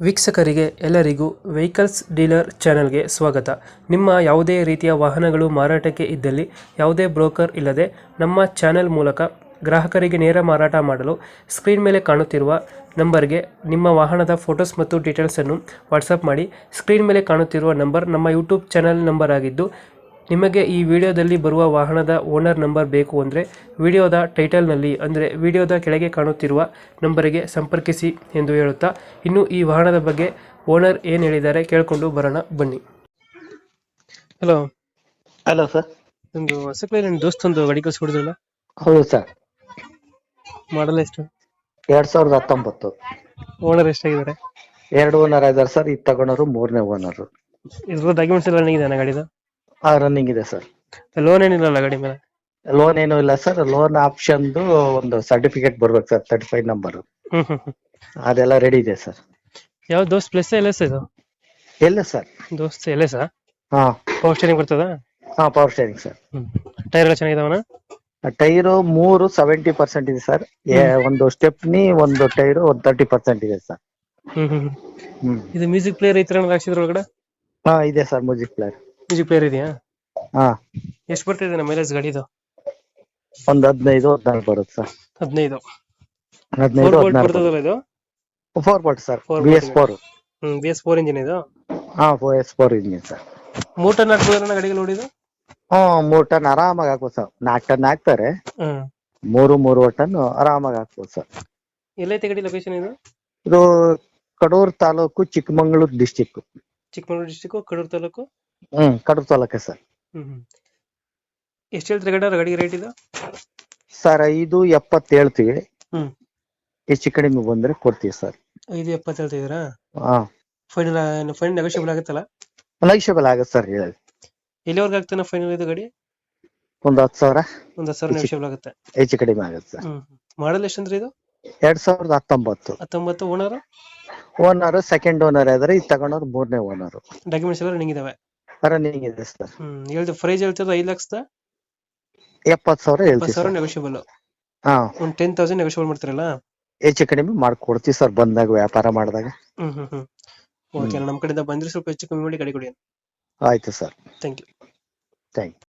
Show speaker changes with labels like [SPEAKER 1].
[SPEAKER 1] ವೀಕ್ಷಕರಿಗೆ ಎಲ್ಲರಿಗೂ vehicles dealer ಚಾನೆಲ್ಗೆ ಸ್ವಾಗತ. ನಿಮ್ಮ ಯಾವುದೇ ರೀತಿಯ ವಾಹನಗಳು ಮಾರಾಟಕ್ಕೆ ಇದ್ದಲ್ಲಿ ಯಾವುದೇ ಬ್ರೋಕರ್ ಇಲ್ಲದೆ ನಮ್ಮ ಚಾನೆಲ್ ಮೂಲಕ ಗ್ರಾಹಕರಿಗೆ ನೇರ ಮಾರಾಟ ಮಾಡಲು ಸ್ಕ್ರೀನ್ ಮೇಲೆ ಕಾಣುತ್ತಿರುವ ನಂಬರ್ಗೆ ನಿಮ್ಮ ವಾಹನದ ಫೋಟೋಸ್ ಮತ್ತು ಡೀಟೇಲ್ಸನ್ನು ವಾಟ್ಸಪ್ ಮಾಡಿ. ಸ್ಕ್ರೀನ್ ಮೇಲೆ ಕಾಣುತ್ತಿರುವ ನಂಬರ್ ನಮ್ಮ ಯೂಟ್ಯೂಬ್ ಚಾನೆಲ್ ನಂಬರ್ ಆಗಿದ್ದು, ನಿಮಗೆ ಈ ವಿಡಿಯೋದಲ್ಲಿ ಬರುವ ವಾಹನದ ಓನರ್ ನಂಬರ್ ಬೇಕು ಅಂದರೆ ವಿಡಿಯೋದ ಟೈಟಲ್ನಲ್ಲಿ ಅಂದರೆ ವಿಡಿಯೋದ ಕೆಳಗೆ ಕಾಣುತ್ತಿರುವ ನಂಬರಿಗೆ ಸಂಪರ್ಕಿಸಿ ಎಂದು ಹೇಳುತ್ತಾ, ಇನ್ನು ಈ ವಾಹನದ ಬಗ್ಗೆ ಓನರ್ ಏನು ಹೇಳಿದ್ದಾರೆ ಕೇಳಿಕೊಂಡು ಬರೋಣ ಬನ್ನಿ. Hello
[SPEAKER 2] hello sir.
[SPEAKER 1] ಒಂದು ಹೊಸಕ್ಲೆ ನನ್ನ ದೋಸ್ತೊಂದು ಗಾಡಿ ಕಳಿಸ್ಕೊಡಿದ್ರಲ್ಲ,
[SPEAKER 2] ಹೌದು ಸರ್.
[SPEAKER 1] ಮಾಡಲ್ ಎಷ್ಟು?
[SPEAKER 2] 2019.
[SPEAKER 1] ಓನರ್ ಎಷ್ಟಾಗಿದ್ದಾರೆ?
[SPEAKER 2] 2 ಓನರ್ ಇದಾರೆ ಸರ್. ಇದು ತಗೊಂಡವರು 3ನೇ ಓನರ್.
[SPEAKER 1] ಇದ್ರ ಡಾಕ್ಯುಮೆಂಟ್ಸ್ ಎಲ್ಲ ನನಗಿದೆ ಗಾಡಿದು?
[SPEAKER 2] ರನ್ನಿಂಗ್ ಇದೆ ಸರ್.
[SPEAKER 1] ಲೋನ್ ಏನಿಲ್ಲ ಗಾಡಿ ಮೇಲೆ?
[SPEAKER 2] ಲೋನ್ ಏನೂ ಇಲ್ಲ ಸರ್. ಲೋನ್ ಆಪ್ಷನ್ದು ಒಂದು ಸರ್ಟಿಫಿಕೇಟ್ ಬರ್ಬೇಕು ಸರ್, 35 ನಂಬರ್. ಅದೆಲ್ಲ ರೆಡಿ ಇದೆ ಸರ್.
[SPEAKER 1] ಯಾವ ದೋಸ್ತ್ ಪ್ಲಸ್ ಎಲ್ ಎಸ್ ಇದು?
[SPEAKER 2] ಎಲ್ಲ ಸರ್.
[SPEAKER 1] Dost L S?
[SPEAKER 2] ಹಾ
[SPEAKER 1] ಪವರ್ ಸ್ಟೇರಿಂಗ್ ಬರ್ತದ?
[SPEAKER 2] ಹಾ, ಪವರ್ ಸ್ಟೇರಿಂಗ್ ಸರ್.
[SPEAKER 1] ಟೈರ್ ಎಲ್ಲ ಚೆನ್ನಾಗಿದಾವನ?
[SPEAKER 2] ಟೈರು 3 70% ಇದೆ ಸರ್. ಒಂದು ಸ್ಟೆಪ್ನಿ, ಒಂದು ಟೈರು 30% ಇದೆ ಸರ್.
[SPEAKER 1] ಇದು ಮ್ಯೂಸಿಕ್ ಪ್ಲೇಯರ್ ಈ ತರ ಹಾಕ್ಸಿದ್ರ ಒಳಗಡೆ?
[SPEAKER 2] ಹಾ ಇದೆ sir. Music player.
[SPEAKER 1] Music player ಇದೆಯಾ?
[SPEAKER 2] ಹಾ.
[SPEAKER 1] ಎಷ್ಟು ಬರ್ತಿದೆ ನಮ್ಮ ಮೈಲೇಜ್ ಗಾಡಿದು?
[SPEAKER 2] ಒಂದು 15-16 ಬರುತ್ತೆ ಸರ್.
[SPEAKER 1] 15?
[SPEAKER 2] 15-16
[SPEAKER 1] ಬರ್ತದಲ್ಲ ಇದು?
[SPEAKER 2] 4 bolt sir. BS4.
[SPEAKER 1] BS4 engine ಇದು?
[SPEAKER 2] ಹಾ, BS4 ಇಂಜಿನ್ ಸರ್.
[SPEAKER 1] 3 ಟನ್ ಹಾಕ್ಬೋದಲ್ಲ ಗಾಡಿಗೆ ನೋಡಿದು?
[SPEAKER 2] 3 ಟನ್ ಆರಾಮಾಗಿ ಹಾಕ್ಬೋದು ಸರ್. 4 ಟನ್ ಹಾಕ್ತಾರೆ. 3 ಟನ್ ಆರಾಮಾಗಿ ಹಾಕ್ಬೋದು ಸರ್.
[SPEAKER 1] ಎಲ್ಲೈತೆ ಗಾಡಿ ಲೊಕೇಶನ್ ಇದು?
[SPEAKER 2] ಇದು ಕಡೂರು ತಾಲೂಕು, ಚಿಕ್ಕಮಗಳೂರು ಡಿಸ್ಟಿಕ್.
[SPEAKER 1] ಚಿಕ್ಕಮಗಳೂರು ಡಿಸ್ಟಿಕ್, ಕಡೂರು ತಾಲೂಕು?
[SPEAKER 2] ಕಡೂರು ತಾಲೂಕೆ ಸರ್.
[SPEAKER 1] ಎಷ್ಟು ಹೇಳ್ತೀರಿ ಗಾಡಿಗೆ ರೇಟ್ ಇದು?
[SPEAKER 2] ಸರ್ 570 ಹೇಳ್ತೀವಿ. ಹೆಚ್ಚು ಕಡಿಮೆ ಬಂದ್ರೆ ಕೊಡ್ತೀವಿ ಸರ್.
[SPEAKER 1] 570 ಹೇಳ್ತಿದ್ದೀರಾ?
[SPEAKER 2] ಹಾ.
[SPEAKER 1] ಫೈನಲ್ ನೆಗೋಷಿಯಬಲ್ ಆಗುತ್ತಲ್ಲ?
[SPEAKER 2] ನೆಗೋಷಿಯಬಲ್ ಆಗುತ್ತೆ ಸರ್. ಹೇಳಿ
[SPEAKER 1] ಎಲ್ಲಿವರೆಗೆ ಆಗ್ತಾನೆ ಫೈನಲ್ ಇದು ಗಾಡಿ?
[SPEAKER 2] ಒಂದು 10,000.
[SPEAKER 1] ಒಂದು 10,000 ನೆಗೋಷಿಯಬಲ್ ಆಗುತ್ತೆ.
[SPEAKER 2] ಹೆಚ್ಚು ಕಡಿಮೆ ಆಗುತ್ತೆ ಸರ್.
[SPEAKER 1] ಮಾಡಲ್ ಎಷ್ಟಂದ್ರೆ ಇದು?
[SPEAKER 2] 2019.
[SPEAKER 1] 19 ಓನರ್?
[SPEAKER 2] ಓನರ್ ಸೆಕೆಂಡ್ ಓನರ್ ಆದ್ರೆ, ಇದು ತಗೊಂಡವ್ರು 3ನೇ ಓನರ್.
[SPEAKER 1] ಡಾಕ್ಯುಮೆಂಟ್ಸ್ ಎಲ್ಲ ರನ್ನಿಂಗ್ ಇದಾವೆ?
[SPEAKER 2] ರನ್ನಿಂಗ್ ಇದೆ ಸರ್.
[SPEAKER 1] ಹೇಳ್ದು ಪ್ರೈಸ್ ಹೇಳ್ತಿರೋದು 5,70,000?
[SPEAKER 2] 70,000 ಹೇಳ್ತೀವಿ ಸರ್.
[SPEAKER 1] 10,000 ನೆಗೋಷಿಯಬಲ್.
[SPEAKER 2] ಹಾ,
[SPEAKER 1] ಒಂದು 10,000 ನೆಗೋಷಿಯಬಲ್ ಮಾಡ್ತೀರಲ್ಲ?
[SPEAKER 2] ಹೆಚ್ಚು ಕಡಿಮೆ ಮಾಡ್ಕೊಡ್ತೀವಿ ಸರ್, ಬಂದಾಗ ವ್ಯಾಪಾರ ಮಾಡಿದಾಗ.
[SPEAKER 1] ಓಕೆ, ನಮ್ಮ ಕಡೆಯಿಂದ ಬಂದ್ರೆ ಸ್ವಲ್ಪ ಹೆಚ್ಚು ಕಮ್ಮಿ ಮಾಡಿ ಗಾಡಿ ಕೊಡಿ.
[SPEAKER 2] ಆಯ್ತು sir.
[SPEAKER 1] Thank you.
[SPEAKER 2] Thank you.